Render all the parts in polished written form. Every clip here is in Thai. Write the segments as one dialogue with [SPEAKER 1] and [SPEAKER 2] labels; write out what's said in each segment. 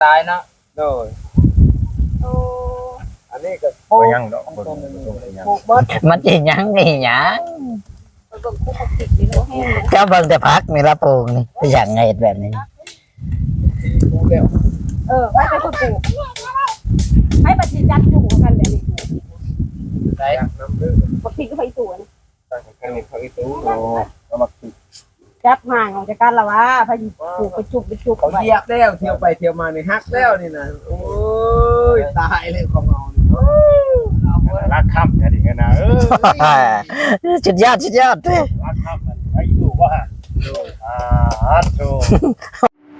[SPEAKER 1] ตายเนาะโดย
[SPEAKER 2] โอ้
[SPEAKER 1] อันนี้ก็
[SPEAKER 3] บ่ยังดอกบ่ยัง
[SPEAKER 2] ปลูกเบิด
[SPEAKER 4] มันสิหยังนี่หยัง
[SPEAKER 2] มันก็คุกคิดดีโลแห้งเลย
[SPEAKER 4] เจ้าเบิ่งแต่พักนี่ละปลูกนี่ไปหยังไงเฮ็ดแบบนี้
[SPEAKER 1] ปลูกแล้ว
[SPEAKER 2] ไม่ไปคนปลูกให้ปฏิจัดอยู่กันแบบนี้
[SPEAKER 1] ได้น้ำดื่ม
[SPEAKER 2] ปกติก็ไปสวน
[SPEAKER 1] ตั้งแต่นี้เขาอีตู้โอ้เอามากิน
[SPEAKER 2] จับห่างออกจากกันละวะพายุปลูกไปจุบ
[SPEAKER 1] เขาเหยียบแล้วเที่ยวไปเที่ยวมานี่ฮักแล้วนี่นะโอ้ยตายเลยของเรา
[SPEAKER 3] รักค่ำเนี่ยดิกันนะ
[SPEAKER 4] สุดยอดเด้อ
[SPEAKER 3] รักค่ำมันไอ้ดูว่าโธ่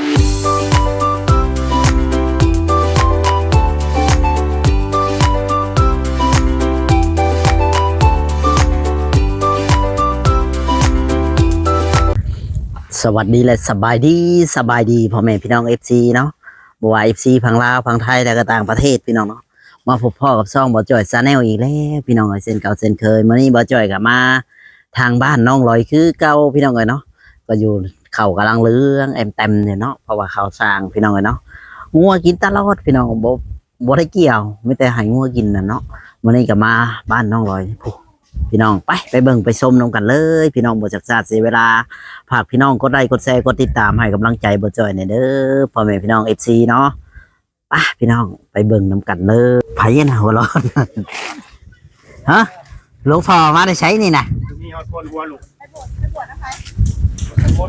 [SPEAKER 4] สวัสดีและสบายดีพ่อแม่พี่น้อง FC เนาะบ่ว่า FC พังลาวพังไทยและก็ต่างประเทศพี่น้องเนาะมาพบพ่อกับช่องบ่จ่อยชาแนลอีกแล้วพี่น้องเอ้ยเช่นเก่าเช่นเคยมื้อนี้บ่จ่อยก็มาทางบ้านน้องลอยคือเก่าพี่น้องเอ้ยเนาะก็อยู่เขากำลังเลื้องเต็มเนี่ยเนาะเพราะว่าเขาสร้างพี่น้องเอ้ยเนาะงัวกินตลอดพี่น้องบ่ได้เกี่ยวมีแต่ให้งัวกินน่ะเนาะมื้อนี้ก็มาบ้านน้องลอยพี่น้องไปเบิ่งไปชมนำกันเลยพี่น้องบ่จักซาดเสียเวลาฝากพี่น้องกดไลค์กดแชร์กดติดตามให้กำลังใจบ่จ่อยหน่อยเด้อพ่อแม่พี่น้อง FC เนาะไปพี่น้องไปเบิ่งนำกันเลยไผน่ะหัวร้อนฮะหลวงพ่อมาได้ใช้นี่น่ะ
[SPEAKER 3] มีฮอดคนหัวลูก
[SPEAKER 2] ไปบวชนะคะ
[SPEAKER 3] คน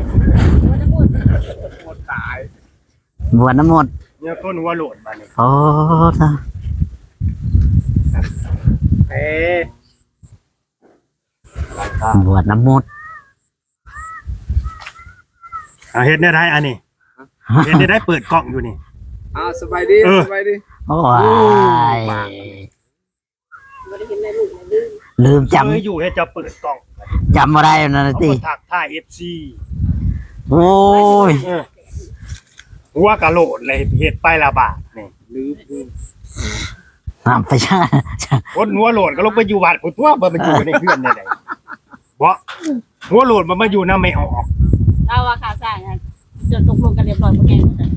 [SPEAKER 3] ตาย
[SPEAKER 4] บวชน้ำมนต์
[SPEAKER 3] เนี่ยคนหัวโหลดมานี่
[SPEAKER 4] โอ้ท่า
[SPEAKER 3] เอ๊ะ
[SPEAKER 4] บวชน้ำมนต์
[SPEAKER 3] เฮ็ดได้อันนี้เฮ็ดได้เปิดกล้องอยู่นี่
[SPEAKER 1] สบายดีสบายดี
[SPEAKER 4] โอ้ย
[SPEAKER 2] ไม่ได้เห็นในลูกในลื่น
[SPEAKER 4] ลืมจ
[SPEAKER 3] เคยอยู่ให้จะเปิดกล้อง
[SPEAKER 4] ำบ่ได้นั่น
[SPEAKER 3] เขา
[SPEAKER 4] น่ะติ
[SPEAKER 3] ก็ทักทาย FC
[SPEAKER 4] โอ้ย
[SPEAKER 3] หัวกะโหลดเลยเฮ็ดไปละบาทนี่
[SPEAKER 1] ลืม
[SPEAKER 4] น้ำไปช่า
[SPEAKER 3] คนหัวโหลดก็ลงไปอยู่วัดพุ่นตัวบ่มันอยู่ในเพื่อนได้ไดบ่หัวโหลดมันมาอยู่นำไม่ออก
[SPEAKER 2] เราว่าขาสร้างจนตกลงกันเรียบร้อยหมดแห้งหมดเลย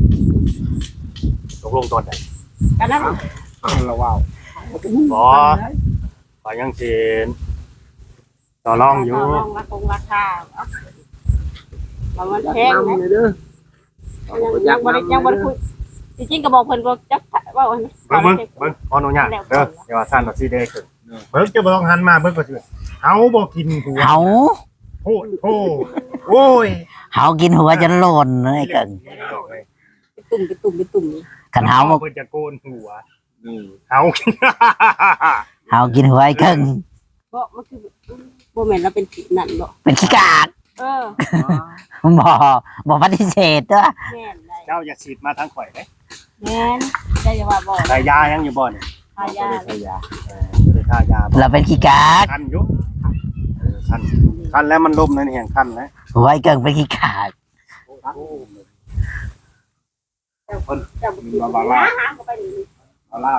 [SPEAKER 3] ตกลงตอนใด
[SPEAKER 2] กันนั้น
[SPEAKER 1] เราว้าว
[SPEAKER 3] บ่ก็ยังสิต่อรองอยู่
[SPEAKER 2] ลองราคาเรามันแพงนะ
[SPEAKER 1] เด้อ
[SPEAKER 2] ยังบริคุยจริงๆก็บอกเพิ่นก็จักว่า
[SPEAKER 3] เบิ่งขออนุญาตเด้ออย่าว่าซั่นว่าสิได้ขึ้นเบิ่งจะบ่ต้องหันมาเบิ่งก็สิเฮาบ่กินหัว
[SPEAKER 4] เฮา
[SPEAKER 3] โอ้โหโอ้ย
[SPEAKER 4] เฮากินหัวจนโลนเลยเกิน
[SPEAKER 2] ตุ่ม
[SPEAKER 4] คันเฮาบ่
[SPEAKER 3] เพิ่นจะโกนหัว
[SPEAKER 1] นี่
[SPEAKER 3] เฮา
[SPEAKER 4] เฮากินหัวไอ้เกิง
[SPEAKER 2] บ่มันคือบ่แม่นเราเป็นผิดนั่นบ่
[SPEAKER 4] เป็นขี้กาก บ่ปฏิเสธเด้อ
[SPEAKER 2] แม่นได้
[SPEAKER 3] เจ้าอย่าฉีดมาทางข่อยเด้
[SPEAKER 2] แม่นได้จะว่าบ่
[SPEAKER 3] ได้ยายังอยู่บ่นี่
[SPEAKER 2] ทายา
[SPEAKER 3] ได้ยาบ่ได้ทายาบ่
[SPEAKER 4] เราเป็นขี้กาก
[SPEAKER 3] คันอยู่คันแล้วมันล้มนั่นแห่งคันนะ
[SPEAKER 4] หัวไอ้เกิงเป็นขี้กาก
[SPEAKER 2] จะบ่กินนะหาก็ไปนี่
[SPEAKER 1] เอาล่า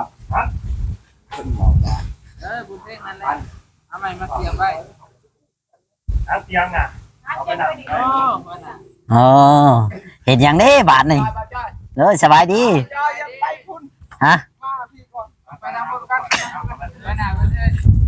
[SPEAKER 5] บุญเพ่งนั่นแหละเอาใหม่มาเสียบไว้
[SPEAKER 3] ทางเตียงอ่ะเอาไปนั่ง
[SPEAKER 5] โอ้วันน่ะ
[SPEAKER 4] อ๋อเห็นอย่างนี้บาทนี่เลยสบายดี
[SPEAKER 1] จอยยังไปพุ่น
[SPEAKER 4] ฮะ
[SPEAKER 1] มาพี่ก่อน
[SPEAKER 5] ไปนำบุญกันไปหน้าไปเลย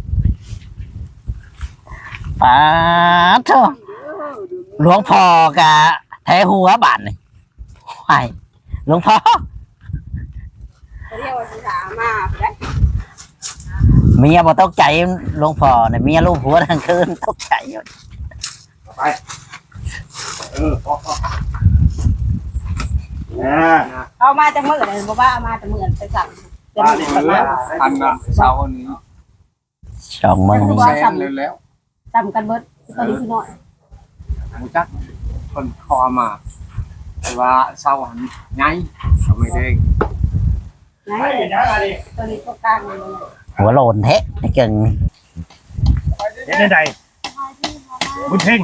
[SPEAKER 4] ปาดโธ่หลวงพ่อกะแท้หัวบาทนี่ไอ้หลวงพ่อ
[SPEAKER 2] เรียกว่าสิถามาได้
[SPEAKER 4] เมียบ่ตกใจหลวงพ่อเนี่ยเมียลูกหัวทั้งคืนตกใจอยู่
[SPEAKER 3] ไปพอนะ
[SPEAKER 2] เอามาจากมื้อเลยบ่ว่าเอามาจากมื้อไปสั่งเป็น
[SPEAKER 3] บ้านนี่มันแล้ว
[SPEAKER 1] พันละเสาร์นี้
[SPEAKER 4] สองมึง
[SPEAKER 1] แซนเลยแล้ว
[SPEAKER 2] ซ้ำกันเบิดตอนนี้คือน้อย
[SPEAKER 1] รู้จักคนคอมาแต่ว่าเสาร์หันไงเขาไม่ได้
[SPEAKER 2] นะ
[SPEAKER 3] ไปยังอะไร
[SPEAKER 2] ตัวนี้ตัวกลางเลย
[SPEAKER 4] หัวโลนเทะไอ้เกิง
[SPEAKER 3] เฮ็ดได้ใดบุญเพ่ง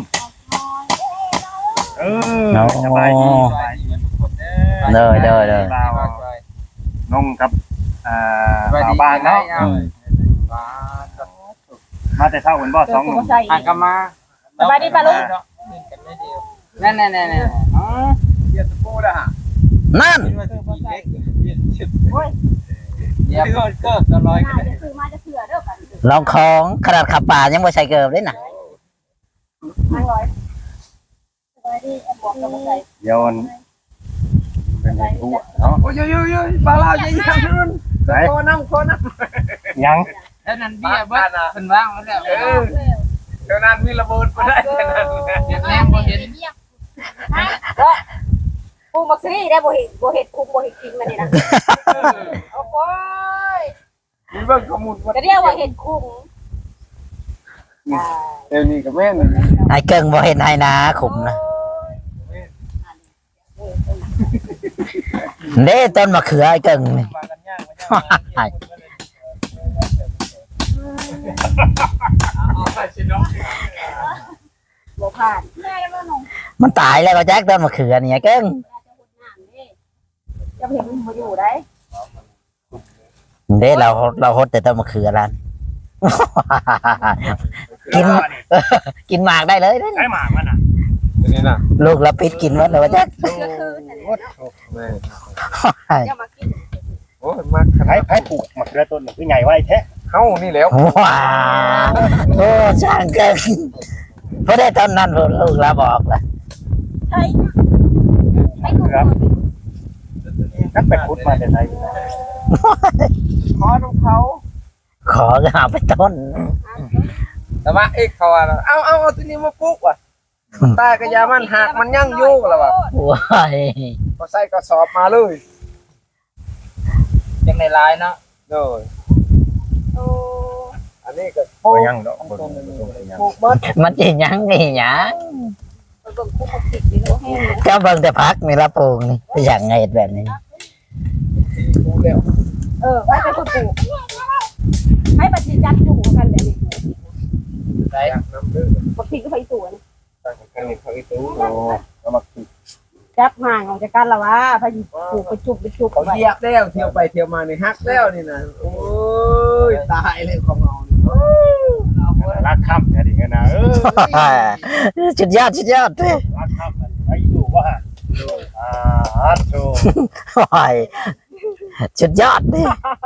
[SPEAKER 3] สบายดี
[SPEAKER 4] เลย
[SPEAKER 3] น้องกับบ้านเนาะมาแต่เช้าเหมือนบ่สองหนุ่ม
[SPEAKER 5] หักกันมา
[SPEAKER 2] สบายดีป่ะลูก
[SPEAKER 5] นั่นอ๋อ
[SPEAKER 1] เกียรติโป้แล้วฮะ
[SPEAKER 4] นั่น
[SPEAKER 5] เดี๋ยวก็จะลอยกัน
[SPEAKER 2] จะซื้อมาจะเถื่อเด้อกัน
[SPEAKER 4] ลองของขนาดขับป่ายังบ่ใส่เกิบเลยน่ะ
[SPEAKER 2] 500สบายดีบอกกับบ่ใส่
[SPEAKER 3] เดี๋ยวมันเป็นไอ้ทั่วเนาะ
[SPEAKER 1] โอ้ยปลาลาวยังนั่น
[SPEAKER 3] ไหน
[SPEAKER 1] โคน้ำ
[SPEAKER 3] ยัง
[SPEAKER 5] แล้วนั่นเบี้ยเบิ้ลเป็นว่างแล้ว
[SPEAKER 1] เท่านั้นมีระเบิดมาได้เท่านั้น
[SPEAKER 5] เห็นแน่บ่เห็น
[SPEAKER 2] ปูมักซีได้บ่เห็ดคุมบ่เห็ดกินมานี่นะโอ้ย
[SPEAKER 1] มีเบิ่งข้อมูลว่า
[SPEAKER 2] จะเรียกว่าเห็ดคุม
[SPEAKER 1] เดี๋ยวนี้กับแม่น
[SPEAKER 4] ไอ้เกิงบ่เห็นให้นะขุมนะเด้ต้นมะเขือไอ้เกิงนี่
[SPEAKER 5] มากันย่างมาย่าง
[SPEAKER 2] บ่ผ่านแม่แล้วน้อง
[SPEAKER 4] มันตายแล้วก็แจ๊กต้นมะเขือนี่ไอ้เกิง
[SPEAKER 2] จะเห็นมันบ่อยู่ได้
[SPEAKER 4] เด้เราฮดแต่ต้นมะเขือร้าน กิน กินหมากได้เลยเด้
[SPEAKER 3] ใช้หมากมันน่ะ
[SPEAKER 1] นี่น่ะ
[SPEAKER 4] ลูกละปิดกินหมดเลยว่าแจ๊ก
[SPEAKER 2] ก็คือ
[SPEAKER 1] แม่
[SPEAKER 2] จะมากิน
[SPEAKER 1] โอ้ยมากขนา
[SPEAKER 3] ไผ
[SPEAKER 1] ด
[SPEAKER 3] ปลูกมะเขือต้นนี่คือใหญ่ไว้แท้
[SPEAKER 1] เฮานี่แล้ว
[SPEAKER 4] ว้าวโอ้ช่างเกินเพราะได้ตอนนั้นลูกเราบอกละ
[SPEAKER 2] ใช่ไม่ถูก
[SPEAKER 3] นักไปขุดมาแต่ไหน
[SPEAKER 1] ขอของเขา
[SPEAKER 4] ขอก็เอาไปต้น
[SPEAKER 1] แต่ว่าเอ็กเขาว่าเอาตัวนี้มาปลูกว่ะตากระยามันหักมันยั่งอยู่แล้วว่ะ
[SPEAKER 4] ว้าย
[SPEAKER 1] ก็ใส่กระสอบมาเลย
[SPEAKER 5] จังในลายเนาะ
[SPEAKER 1] โดย
[SPEAKER 2] โอ้
[SPEAKER 1] อันนี้ก็
[SPEAKER 3] บ่ยังดอกบ่ยัง
[SPEAKER 1] ปลูกเบิด
[SPEAKER 4] มันจะยังนี่ยัง
[SPEAKER 2] เบิ่งคุมมักติดนี่บ่แห้ง
[SPEAKER 4] เจ้าเบิ่งแต่พักนี่ละปลูกนี่ไปอย่างไงแบบนี้
[SPEAKER 1] ปลูกแล้ว
[SPEAKER 2] ให้เป็นคนปลูกให้บัดสิจัดจุ่มกันแบบนี้
[SPEAKER 5] ใส่
[SPEAKER 1] น้ำดื้อ
[SPEAKER 2] บักทีก็ไปสวน
[SPEAKER 1] ตั้งกันนี่เขาอีตู้โอ้เอามาปลูก
[SPEAKER 2] จับห่างออกจากกันละว่าพายุปลูกไปจุ่มไปจุ่ม
[SPEAKER 1] เขาเหยียบแล้วเที่ยวไปเที่ยวมานี่ฮักแล้วนี่นะโอ้ยตายเลยของเรานี่โอ้ย
[SPEAKER 3] รักค่ำแท้ดิกันนะ
[SPEAKER 4] สุดยอดสุดยอดเด้อ
[SPEAKER 3] รักค่ำมันไอ้ดูว่าโต
[SPEAKER 4] ว้ายสุดยอดเด้อ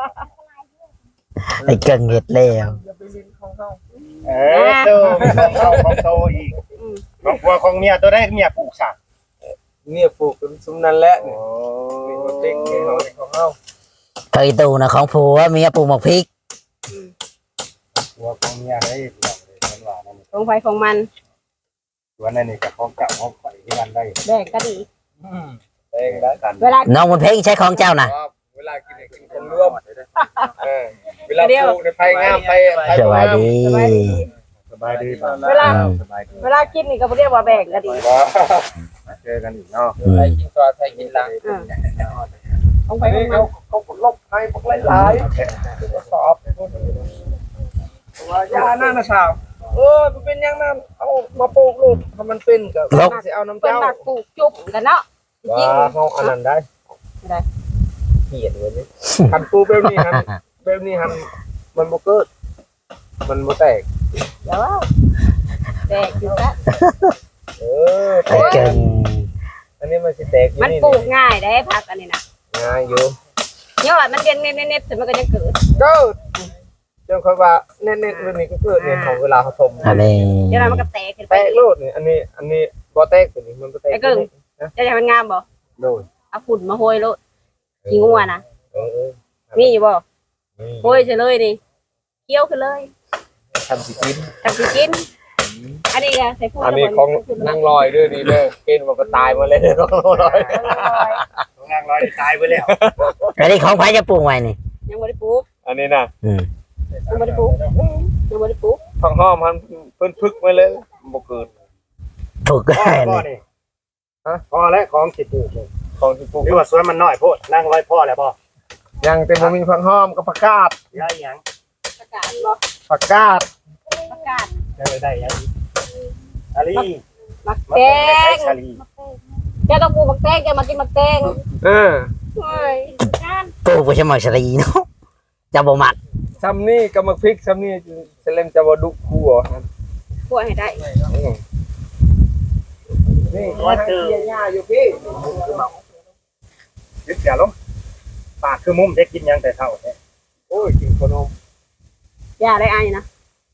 [SPEAKER 4] ไอ้เกิงเห็ดแล้ว
[SPEAKER 1] อย่าไปลิ้นของเขา
[SPEAKER 3] โตของโตอีกของผัวของเมียตัวได้เมียปลูกสัก
[SPEAKER 1] เนี่ยปลูกเป็นซุ้มนั่นแหละ
[SPEAKER 3] โอ้
[SPEAKER 1] นี่มาเต็งให้เขาของเขา
[SPEAKER 4] เคยตูนะของผัวเมียปลูกหมกพริก
[SPEAKER 3] ผัวของเมียได้มันว่านั่น
[SPEAKER 2] ของไฟของมัน
[SPEAKER 3] สวนนั่นนี่กับของเก่าของข่อยที่มันได้
[SPEAKER 2] แบ่งก็ดี
[SPEAKER 1] เต็งแล้ว
[SPEAKER 3] กัน
[SPEAKER 2] เวลา
[SPEAKER 4] น้องบนเพลงใช้ของเจ้านะ
[SPEAKER 1] เวลากินกินคนร่วมเวลาปลูกในไผ่งามไผ่
[SPEAKER 4] สบายดี
[SPEAKER 3] สบายดีป่ะสบายดี
[SPEAKER 2] เวลากินนี่ก็เรียกว่าแบ่งก็ดี
[SPEAKER 3] เจอกันอีกเนาะ
[SPEAKER 5] ใส่กินตัวใส่กินหลัง
[SPEAKER 2] ของไฟ
[SPEAKER 1] นี่
[SPEAKER 2] ของมั
[SPEAKER 1] เขา
[SPEAKER 2] น
[SPEAKER 1] เขาลบให้พวกหลายๆสอบว่ายาหน้านะสาวมันเป็นยังนั้นเอามาปลูกลูกถ้ามันเป็นก็สิเอาน้ำ
[SPEAKER 2] เป็น
[SPEAKER 1] เจ้า
[SPEAKER 2] หลักปลูกจุ่มกันเนาะจริง
[SPEAKER 1] ว่าเขาอันนั้นได้เขียนไว้นี่คันปูเบลนี่ฮันเบลนี่ฮันมันบ่เกิดมันบ่แตก
[SPEAKER 2] เดี๋ยวแบ่งอยู่ซะ
[SPEAKER 4] ไอ้เกิง
[SPEAKER 1] อันนี้มันสิแตกอยู่
[SPEAKER 2] มัน
[SPEAKER 1] นี่
[SPEAKER 2] ปลูกง่ายได้ผักอันนี้นะ
[SPEAKER 1] ง่ายอยู่
[SPEAKER 2] เนี่ยว่ามันเด่นเน็ตๆแต่มันก็ยังเกิด
[SPEAKER 1] เกิดจนค่อยว่าเน็ตๆเรื่องนี้ก็เกิดเนี่ยของเวลาเขาทม
[SPEAKER 4] อันนี้
[SPEAKER 2] เดี๋ยวมันก็แตกขึ้นไป
[SPEAKER 1] แตกโลดนี่อันนี้บ่แตกตัวนี้มันบ่แตก
[SPEAKER 2] จะให้มันงามบ่
[SPEAKER 1] โดย
[SPEAKER 2] เอาฝุ่นมาโหยโลดขี้งัวนะ
[SPEAKER 1] เออ
[SPEAKER 2] มีอยู่บ่
[SPEAKER 1] นี่
[SPEAKER 2] โหยเฉยเลยนี่เคี้ยวขึ้นเลย
[SPEAKER 1] ทำสิกิน
[SPEAKER 2] ทำสิกิน อันนี้ก็ใส่ฝุ่น
[SPEAKER 1] อันนี้ของนั่งลอยด้วยนี่เด้อกินมันก็ตายมาเลยของลอย
[SPEAKER 3] นางร้อยตายไปแล้ว
[SPEAKER 4] อันนี้ของใครจะปลูกไว้นี่
[SPEAKER 2] ยังบ่ได้ปลูก
[SPEAKER 1] อันนี้น่ะ
[SPEAKER 2] ยังบ่ได้ปลูกยังบ่ได้ปลูก
[SPEAKER 1] ฟังห้อมมันเพิ่นพึกมาเลยบ่เกิด
[SPEAKER 4] ปลูกก็
[SPEAKER 3] พ่อ
[SPEAKER 4] ได้
[SPEAKER 3] พ่อ
[SPEAKER 4] นี่
[SPEAKER 3] นี่พอแล้วของสิปลูกเลย
[SPEAKER 1] ของที่ปลูก
[SPEAKER 3] หรือว่าสวนมันน้อยโพดนั่งร้อยพ่อแล้วพ่อ
[SPEAKER 1] ยังแต่บ่มีฟังห้อมกับผักกาด
[SPEAKER 3] ได้ยัง
[SPEAKER 2] ประกาศบ่
[SPEAKER 1] ผักกาด
[SPEAKER 2] ประกาศ
[SPEAKER 3] ได้ยังชาลี
[SPEAKER 2] มัก
[SPEAKER 3] มา
[SPEAKER 2] แต
[SPEAKER 3] ปลูกใน
[SPEAKER 2] ง
[SPEAKER 3] ชาลี
[SPEAKER 2] แกต้องปลูกมักแตงแกมากินมักแตง
[SPEAKER 1] เออ
[SPEAKER 2] เฮ้ยงาน
[SPEAKER 4] ปลูกไปใช่ไหมชลีเนาะจะบ่มัก
[SPEAKER 1] ซ้ำนี่ก็มาพริกซ้ำนี่เซเลมจะบ่ดุคั่ว
[SPEAKER 2] ปลูกให้ได้
[SPEAKER 1] นี่ว่าเจอหญ้าอยู่พี่
[SPEAKER 3] ยึดเสียลงปากคือมุมได้กินยังแต่เท่าแท้
[SPEAKER 1] โอ้ยกินขนม
[SPEAKER 2] อย่าได้ไอ้นะ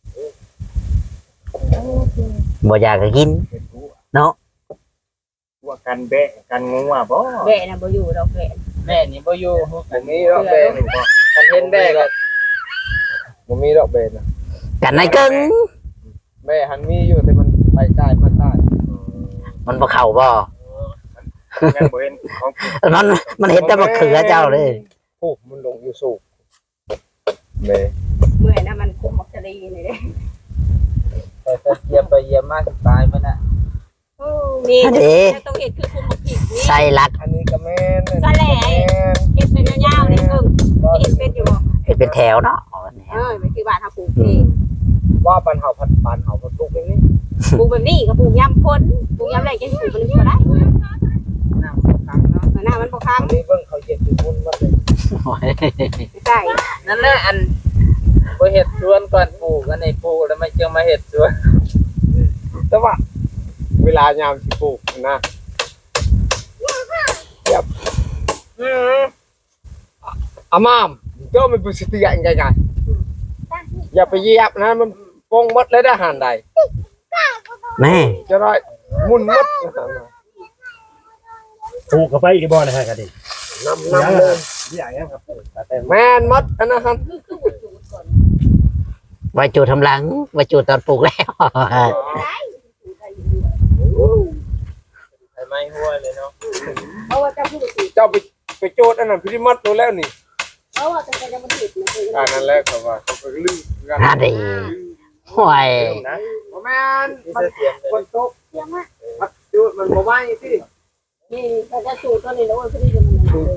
[SPEAKER 4] บ่อยากก็กิน
[SPEAKER 3] เป็นผู้
[SPEAKER 4] เนาะ
[SPEAKER 3] ว่ากันแบะกันงูอ่ะบ่
[SPEAKER 2] แบะน่ะบ่อยู่ดอกแบะ
[SPEAKER 5] แม่นี่บ่อยู่
[SPEAKER 1] บ่มีดอกเบนคันเห็นแม่ก็บ่มีดอกเบนนะ
[SPEAKER 4] กันนายกึ่ง
[SPEAKER 1] แม่หันมีอยู่แต่มันไปใต้มาใต้
[SPEAKER 4] มันบ่เข้าบ่
[SPEAKER 3] ยังบ่เห็นของกิน
[SPEAKER 4] มันเห็นแต่มะเขือเจ้าเลย
[SPEAKER 1] ผูกมันลงอยู่สูบแม่
[SPEAKER 2] เมื่อยนะมันคุมมักจะดีนี่เด้
[SPEAKER 5] ไปเยี่ยมไปเยี่ยมมาตายมันน่ะ
[SPEAKER 2] นี่
[SPEAKER 4] อันนี้
[SPEAKER 2] ต้องเห็ดคือคุมมักผิดนี่
[SPEAKER 4] ใส่ลัก
[SPEAKER 1] อันนี้ก็แม่น
[SPEAKER 2] สะแหล่เห็ดเป็นยาวๆนี่เพิ่งเห็ดเป็นอยู่บ่
[SPEAKER 4] เห็นเป็นแถวเนาะ
[SPEAKER 2] มันคือบ้านเฮาปลูกนี่
[SPEAKER 1] ว่าปันเห่าพันปันเห่าพันตุกอย่างนี้
[SPEAKER 2] ปลูกแบบนี้ก็ปลูกยำพ้นปลูกยำแรงจังสิปลูกมันบ่ได้
[SPEAKER 5] น้ำขังเนาะ
[SPEAKER 2] หน้ามันบ่ค้าง
[SPEAKER 1] อันนี้เบิ่งเขาเย็ดอยู่มุ่นมันเลย
[SPEAKER 2] ใช่
[SPEAKER 5] นั่นแหละอันบ่เฮ็ดสวนก่อนปลูกอันนี้ปลูกแล้วมันจึงมาเฮ็ดสวน
[SPEAKER 1] แต่ว่าเวลายามสิปลูกนะอามามเจ้ามันเป็นสติอย่างไงอย่าไปเหยียบนะมันปงมดเลยได้หันใด
[SPEAKER 4] แม่
[SPEAKER 1] จะได้มุนมด
[SPEAKER 3] ปลูกเข้าไปอีกบ่นะฮะกันดิ
[SPEAKER 1] น้ำเลย
[SPEAKER 3] ใหญ่ครับ
[SPEAKER 1] แม่นมดอันนั้น
[SPEAKER 4] ไว้จูดทำหลังไว้จูดตอนปลูกแล้ว
[SPEAKER 5] ไอ้ไม้หัวเลยเนาะ
[SPEAKER 2] เพราะว่าจะพูดสิ
[SPEAKER 1] เจ้าไปโจทย์อันนั้นพิมัดตัวแล้วนี่
[SPEAKER 2] เพราะว่าจะเป็นมันผิดนะคือ
[SPEAKER 1] อันนั้นแหละเขาว่าเขาไปลือกัน
[SPEAKER 4] น่าดีห่วย
[SPEAKER 3] นะ
[SPEAKER 1] แม่น
[SPEAKER 5] มี
[SPEAKER 1] มัน
[SPEAKER 5] เสียง
[SPEAKER 1] คนตก
[SPEAKER 2] เยี่ยมมาก
[SPEAKER 1] มัดจูดมันบ่ไหวสิ
[SPEAKER 2] นี่เขาจะสูตรตัวนี้แล้วว่าพอดีมันเลย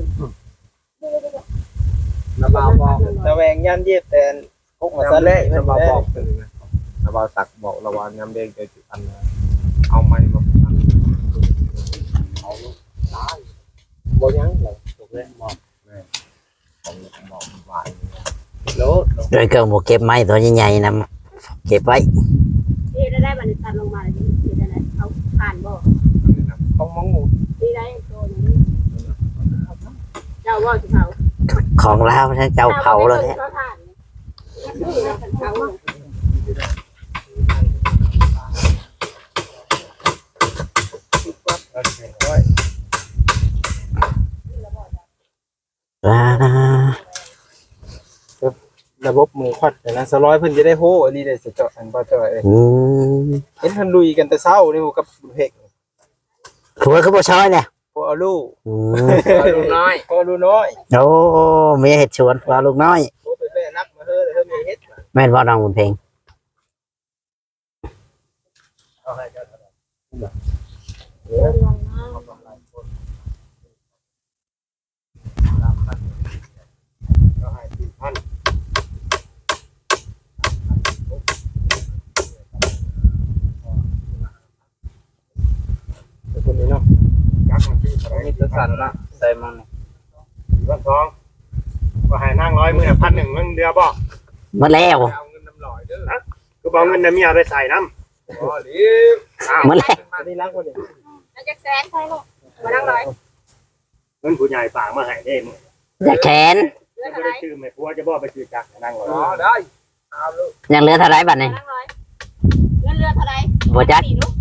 [SPEAKER 1] ระบาวบอก
[SPEAKER 5] ระแวงย่านเย็บแต่กุกมาซะ
[SPEAKER 1] น้ำ
[SPEAKER 5] แล้
[SPEAKER 1] เละระบาวบอกถึงนะระบาวสักบอกระบาวน้ำเด้งเจอจุดอันนะเอาไม้มาพันเอาตายบ่ยังเลยตกเลยบอกแม่บอกหวานโลด
[SPEAKER 4] โดยเกิดหมูเก็บไม้ตัวใหญ่ๆนะเก็บไว้
[SPEAKER 2] นี่ได้มันตัดลงมาแล้วนี่ได้เอาผ่านบ่
[SPEAKER 1] ต้องมองหมู
[SPEAKER 2] นี่ได้ตัวนี้เจ้าว่าสิเผา
[SPEAKER 4] ของลาวทั้งเจ้าเผาเลยแท้
[SPEAKER 2] เขา
[SPEAKER 4] อ่า
[SPEAKER 1] ระบบมือควัดนะสร้อยเพิ่นจะได้โหอันนี้ได้เจาะอันบ่เจาะ
[SPEAKER 4] อืม
[SPEAKER 1] เห็นเพิ่นลุยกันแต่เช้านี่กับเพก
[SPEAKER 4] ผัวคือบ่ช้อยเนี่ย
[SPEAKER 1] พอเอาลูก
[SPEAKER 4] อืม
[SPEAKER 5] ลูกน้อย
[SPEAKER 1] พอลูกน้อย
[SPEAKER 4] โอ้มีเห็ดชวนปลาลูกน้อย
[SPEAKER 1] โอ้ไปแม่นักมาเฮ้อเฮ้อมีเฮ็ด
[SPEAKER 4] แม่นบ่น้องบุญเพลง
[SPEAKER 1] เอาให้กัน คนนี้เนาะยักษ์มันที่อะไร
[SPEAKER 5] มีตัวสั่นละใส่มันนี่
[SPEAKER 3] วันทองก็ให้นั่ง100มื้อ1,100มึงเดือบ่
[SPEAKER 4] หมดแล้ว
[SPEAKER 1] เอาเงินน้ำลอยเด้อ
[SPEAKER 3] คือบ่เอาเงินน่ะเมียไปใส่น้ำ
[SPEAKER 1] อ๋อดิอ้าว
[SPEAKER 4] หมดแล้ว
[SPEAKER 1] อันนี้รักคนนี้
[SPEAKER 2] แล้วจะแซงใช่ลูกมานั่งเลย
[SPEAKER 3] เงินผู้ใหญ่ฝากมาให้เด้มึง
[SPEAKER 4] อย่าแขน
[SPEAKER 2] เลือด
[SPEAKER 3] บ่
[SPEAKER 2] อะไร
[SPEAKER 3] ได้ชื่อแม่ผัวจะบ่ไปชื่อจักนั่งรอ
[SPEAKER 1] อ๋อได้เอาลูก
[SPEAKER 4] ยังเหลือเท่าไรบัดนี้
[SPEAKER 2] นั่งเลยเลือดอะไร
[SPEAKER 4] บ่จัก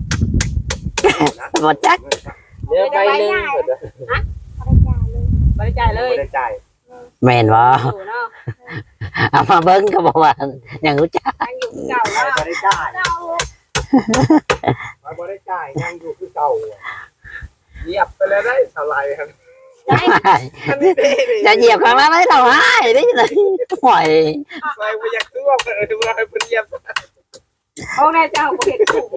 [SPEAKER 4] บ่จัก
[SPEAKER 5] เดี๋ยวใบหนึงเพิ่น
[SPEAKER 2] บริจาคเลย
[SPEAKER 3] บ่ได้จ่าย
[SPEAKER 4] แม่นบ่
[SPEAKER 2] อยู่เนาะ
[SPEAKER 4] เอามาเบิ่งก็บอกว่ายังรู้จัก
[SPEAKER 2] ยังอยู่เก่าแล้ว
[SPEAKER 3] บ่ได้จ่าย
[SPEAKER 2] เก่า
[SPEAKER 3] บ่ได้จ่ายยังอยู่คือเก่า
[SPEAKER 1] เหยียบไปเลยได้เท่าไหร่ครับ
[SPEAKER 2] ได้
[SPEAKER 1] อันนี้ดีดิ
[SPEAKER 4] จะเหยียบข้างล่างไม่เราให้ได้เลยห่วย
[SPEAKER 1] ใส่ไปอยากตัวเออว่าให้เพิ่นเหยียบ
[SPEAKER 2] โอ้แม่เจ้าเห็ดถูก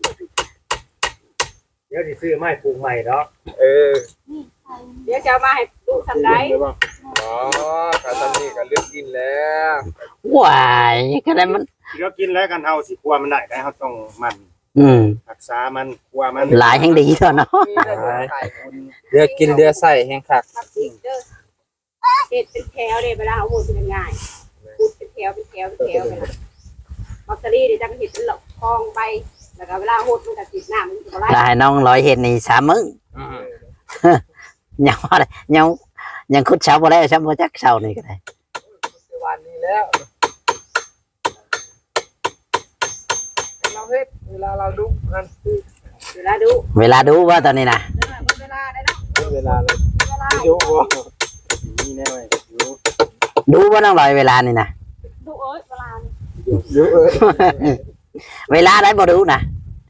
[SPEAKER 3] เดี๋ยวสิซื้อไม้ปลูกใหม่ดอก
[SPEAKER 1] เออ
[SPEAKER 2] เดี๋ยวจะมาให้ดูทำได้
[SPEAKER 1] อ๋อการทำนี่ก็เลือกกินแล้ว
[SPEAKER 4] ห่วยก็ได้มัน
[SPEAKER 3] เดี๋ยวกินแล้วกันเฮาสิกลัวมันได้เฮาต้องมัน
[SPEAKER 4] อืม
[SPEAKER 3] รักษามันกลัวมัน
[SPEAKER 4] หลายแห่งดีเถอะเนาะ
[SPEAKER 1] มีได้ใส่คุณ
[SPEAKER 5] เดือกินเดือใส่แห้งคัก
[SPEAKER 2] ทำจริงเด้อเห็ดเป็นแถวเลยเวลาเอาหมดเป็นง่ายพูดเป็นแถวเป็นแถวเป็นแถวไปนะลอตเตอรี่เดี๋ยวจะเห็ดเป็นหลอกคลองไปแล้วก็เวลาหดมันจะติดหน้ามันจะไร
[SPEAKER 4] ได้น้องร้อยเห็นนี่3 มื้อ
[SPEAKER 5] อืม
[SPEAKER 4] ยังว่าได้ยังยังคุดเช้าบ่ได้ช้ำบ่จักเช้านี่ก็ได้
[SPEAKER 5] วันนี้แล้วเราเฮ็ดเวลาเราดูกัน
[SPEAKER 2] เวลาดู
[SPEAKER 4] เวลาดูว่าตอนนี้นะ
[SPEAKER 2] เวลาได้เนาะ
[SPEAKER 1] เวลาเลย
[SPEAKER 2] เวลา
[SPEAKER 1] ดูบ่นี่แน่เลยดู
[SPEAKER 4] ดูว่าน้องลอยเวลานี่นะ
[SPEAKER 2] ดูเอ้ยเวลา
[SPEAKER 1] ดู
[SPEAKER 4] เวลาได้บ่ดูนะ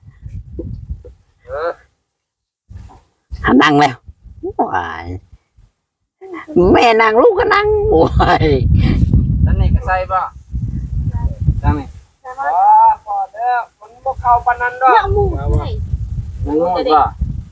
[SPEAKER 4] หันนั่งแล้วว้ายแม่นั่งลูกก็นั่งโอ้ย
[SPEAKER 5] นั่นนี่ก็ใส่ป่ะจังนี่
[SPEAKER 2] แต่ว่า
[SPEAKER 1] พอแล้วมันบ่เข้าปานนั้นดอก
[SPEAKER 2] เรื่องหมู่ใช่
[SPEAKER 5] มันงงป่ะ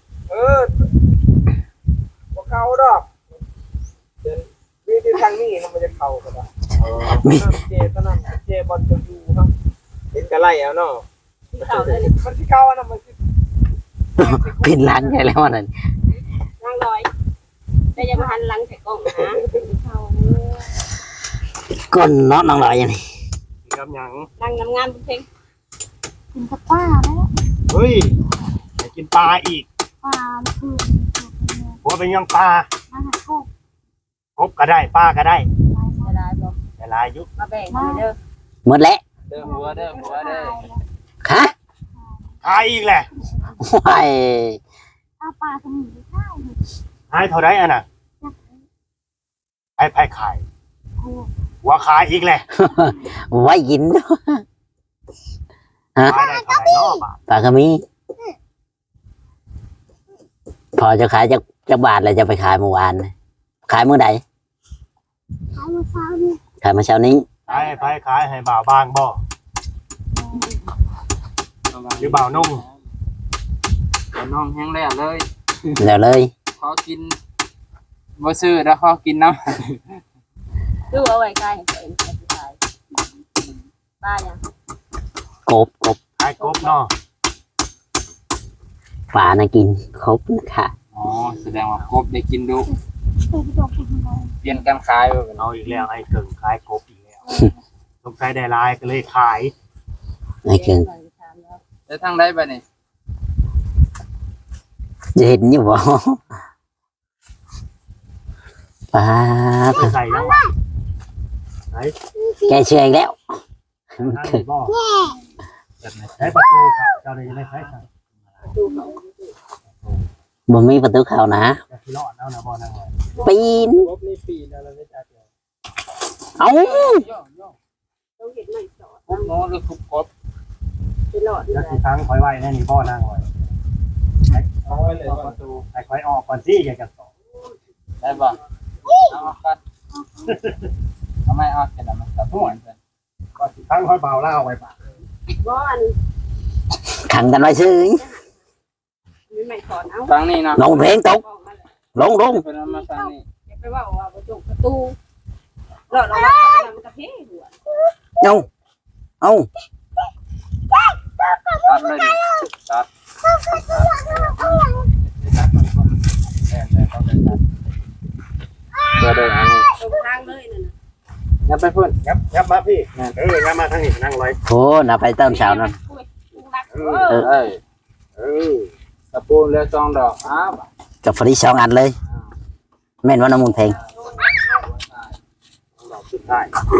[SPEAKER 1] บ่เข้าดอกวิธีทางนี้มันจะเข้าก็ได้
[SPEAKER 4] มี
[SPEAKER 1] เจตนั้นเจบอลจะอยู่ครับเห็นกะไล่เอาเนาะ
[SPEAKER 2] ที่เขาเลย
[SPEAKER 1] มันสิเข้าอันนั้นมันสิ
[SPEAKER 4] ปิดร้านใหญ่แล้วนั่น
[SPEAKER 2] นั่งลอยแต่ยังมาหันหลังใส่กล้องนะเขา
[SPEAKER 4] ก้นเนาะน้องลอยอย่างนี้
[SPEAKER 3] กำยัง
[SPEAKER 2] นั่งงามๆเพลง
[SPEAKER 6] กินกับป้าแล้ว
[SPEAKER 3] เฮ้ยไปกินปลาอีก
[SPEAKER 6] ป้าคือ
[SPEAKER 3] หัวเป็นยังปลา
[SPEAKER 6] มาหาโคก
[SPEAKER 3] กบก็ได้ปลาก็ได้
[SPEAKER 2] จะได้บอก
[SPEAKER 3] แต่ลายยุค
[SPEAKER 2] มาแบ่งกันเด้อ
[SPEAKER 4] หมดแล้ว
[SPEAKER 5] เด้อหัวเด้อหัวเด้อ
[SPEAKER 4] ฮะ
[SPEAKER 3] ขายอีกแหละ
[SPEAKER 4] ว้าย
[SPEAKER 6] เอาปลาสมุนไพร
[SPEAKER 3] ขายเท่าไรอ่ะน่ะไผ่ขายหัวขายอีกแหละ
[SPEAKER 4] ไว้กิน
[SPEAKER 3] ขายได้เท่าไหร่เนาะบาท
[SPEAKER 4] ปลากระมีพอจะขายจะบาทเลยจะไปขายเมื่อวานน่ะขายเมื่อใด
[SPEAKER 6] ขายมาเช้านี่
[SPEAKER 4] ขายเมื่อเช้านี้
[SPEAKER 3] ขายไผ่ขายให้บ่าวบางบ่หรือบ่าวนุ่ง
[SPEAKER 5] น้องแห้งแล้วเลย
[SPEAKER 4] แล้วเลย
[SPEAKER 5] ขอกินบ่ซื้อแล้วขอกินน้ำ
[SPEAKER 2] ดูเอาไว้ใกล้ให้ตัวเองใส่ไปป้ายัง
[SPEAKER 4] กบ
[SPEAKER 3] ขายกบเนาะ
[SPEAKER 4] ปลานะกินครบนะคะ
[SPEAKER 5] อ๋อแสดงว่าครบได้กินดู
[SPEAKER 6] ตัวพี่ตัวคุณอะไร
[SPEAKER 5] เปลี่ยนกันขายไปเป็น
[SPEAKER 3] เอาอีกแล้วไอ้เกิงขายกบอีกแล้วสงสัยได้ลายก็เลยขาย
[SPEAKER 4] ไอ้เกิง
[SPEAKER 5] แล้วทางได้ไปนี่
[SPEAKER 4] จะเห็นอยู่บ่ปลา
[SPEAKER 3] ใส่แล้ว
[SPEAKER 4] แกเชื่ออีกแล้ว
[SPEAKER 3] ทางนี้บ่ใช้ประตูครับเจ้าเลยไม่ใช้ครับ
[SPEAKER 4] บ่มีประตูเข้านะ
[SPEAKER 3] จะที่รอดแล้วนะบ่นั่งเลย
[SPEAKER 4] ปีน
[SPEAKER 1] ครบนี่ปีแล้วเราไม่จ่าย
[SPEAKER 4] เอ้า
[SPEAKER 2] ต้องเห็นไม่สอด
[SPEAKER 5] ครบโน้หรือครบครบ
[SPEAKER 2] ไปหลอด
[SPEAKER 3] จะที่ทั้งคอยไว้แน่นี่บ่นั่งเลย
[SPEAKER 1] เอาไว้เลยว่า
[SPEAKER 3] ประตูให้คอยออกก่อนสิอยากจะต่อ
[SPEAKER 5] ได้ป่ะเอาออกกันทำไมออกกันมันตัดหัวเพื่อน
[SPEAKER 3] ก่อนที่ทั้งคอยเบาเล่าไว้ปะ
[SPEAKER 2] บ้อน
[SPEAKER 4] ขังกันไว้ซื้อ
[SPEAKER 2] มีไม่สอนเอา
[SPEAKER 5] ฟังนี่นะ
[SPEAKER 4] ลงเพลงตกลง
[SPEAKER 5] เพื่อนมาฟังนี่
[SPEAKER 2] อย่าไปว่าประตูประตูหลอดเราว่ามันกระเพาะหัว
[SPEAKER 4] เอา
[SPEAKER 5] ตัดเลยตัดก็ได้อันนี้
[SPEAKER 2] ตรงทางเลยนั่นน่ะ
[SPEAKER 5] ยับไปเพื่อน
[SPEAKER 3] ยับมาพี่ยับมาทางนี้นั่งเลย
[SPEAKER 4] โหน่ะไปต้นเช้านั่น
[SPEAKER 5] เอ้ย
[SPEAKER 3] เออ
[SPEAKER 5] ตะปูเลือซองดอกอ้าว
[SPEAKER 4] กับฟรีสองอันเลย แม่นว่าน้ำมูลเพลง
[SPEAKER 3] ดอกสุดท้าย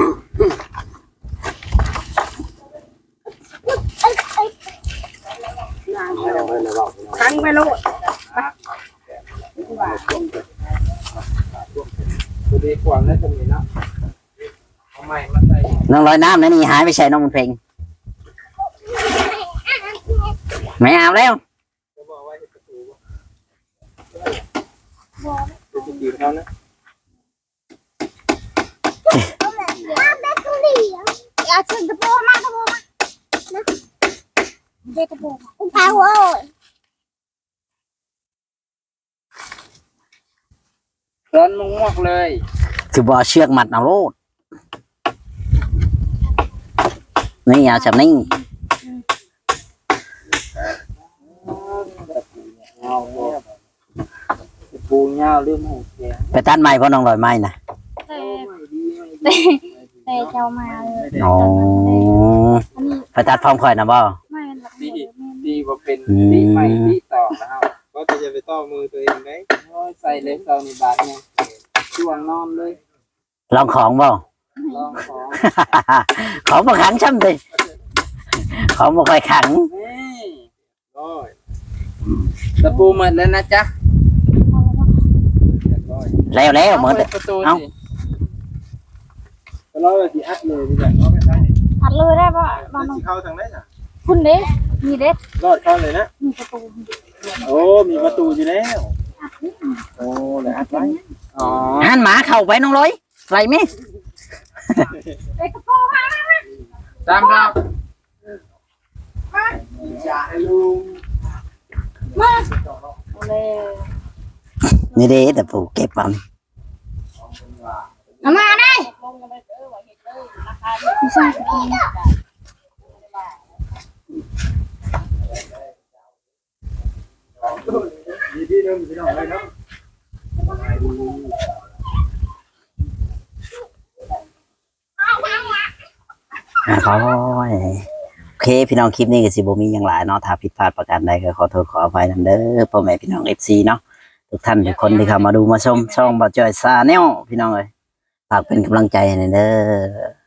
[SPEAKER 2] ทั้งไปโลด
[SPEAKER 5] ตัวดีกว่าแล้วจะมีนะเอาใหม่มาใส่
[SPEAKER 4] น้องลอยน้ำนั่นนี่หายไปใส่น้ำมูลเพลงไม่เอาแล้ว
[SPEAKER 1] จะบอกว่าประตูจะจีบเขานะ
[SPEAKER 6] อย่าเชิญกระโปรงมากระโปรงมานะเด็กกระโปรงคุณพาหัว
[SPEAKER 5] ร้อนมุ้งมากเลย
[SPEAKER 4] คือบอเชือกมัดเอาโลดนี่เอาแบบนี้
[SPEAKER 5] ปูเงาเรื่องหูแข็ง
[SPEAKER 4] ไปตัดไม้เพราะน้องลอยไม้นะ
[SPEAKER 6] แต่เจ้ามาเลย
[SPEAKER 4] อ๋อไปตัดพร้อมข่อยนะบ่
[SPEAKER 6] ไม่หลัก
[SPEAKER 5] ดีว่าเป็นดีใหม่ดีต่อนะครับ
[SPEAKER 1] ก็จะไปต่อมือตัวเองไหม
[SPEAKER 5] ใส่เล็บเราในบาทเนี่ยช่วงนอนเลย
[SPEAKER 4] ลองของบ่
[SPEAKER 5] ลองของ
[SPEAKER 4] ของบ่ขังช่ำติของบ่ค่อยขัง
[SPEAKER 5] นี่
[SPEAKER 1] ร้อย
[SPEAKER 5] ตะปูหมดแล้วนะจ๊ะ
[SPEAKER 1] ร้อย
[SPEAKER 4] แล้วเหมือน
[SPEAKER 5] ประตู
[SPEAKER 4] เอ้า
[SPEAKER 5] สิ
[SPEAKER 1] ร้อยสิอัดเลยดีกว่าเอาไม่ใช่นี่
[SPEAKER 6] อัดเลยได้ป่ะบ้าน
[SPEAKER 1] สิเข้าทางไหนน่ะ
[SPEAKER 6] คุณเด้มีเด้
[SPEAKER 1] รอดเข้าเลยนะ
[SPEAKER 6] มีประตู
[SPEAKER 1] โอ้มีประตูอยู่แล้วโอ้เลยอัดไว้
[SPEAKER 5] อ๋อ
[SPEAKER 4] หันหมาเข้าไปน้องร้อยไรไหม
[SPEAKER 6] เด็กกระโปรงมา
[SPEAKER 5] ตามเรา
[SPEAKER 1] อย่าให้ลุง
[SPEAKER 6] เลย
[SPEAKER 4] นี่เด้แต่ปู่เก็บเอา
[SPEAKER 6] เอามาได้ไม่ใช่กระโปรง
[SPEAKER 1] มีที่นึงพี่น้องเลยเนาะ
[SPEAKER 4] ขอโอเคพี่น้องคลิปนี้ก็สิบ่มีหยังหลายเนาะถ้าผิดพลาดประการใดก็ขอโทษขออภัยนำเด้อพ่อแม่พี่น้อง FC เนาะทุกท่านทุกคนที่เข้ามาดูมาชมช่องบ่าวจ้อยซาแนลพี่น้องเอ้ยฝากเป็นกำลังใจให้หน่อยเด้อ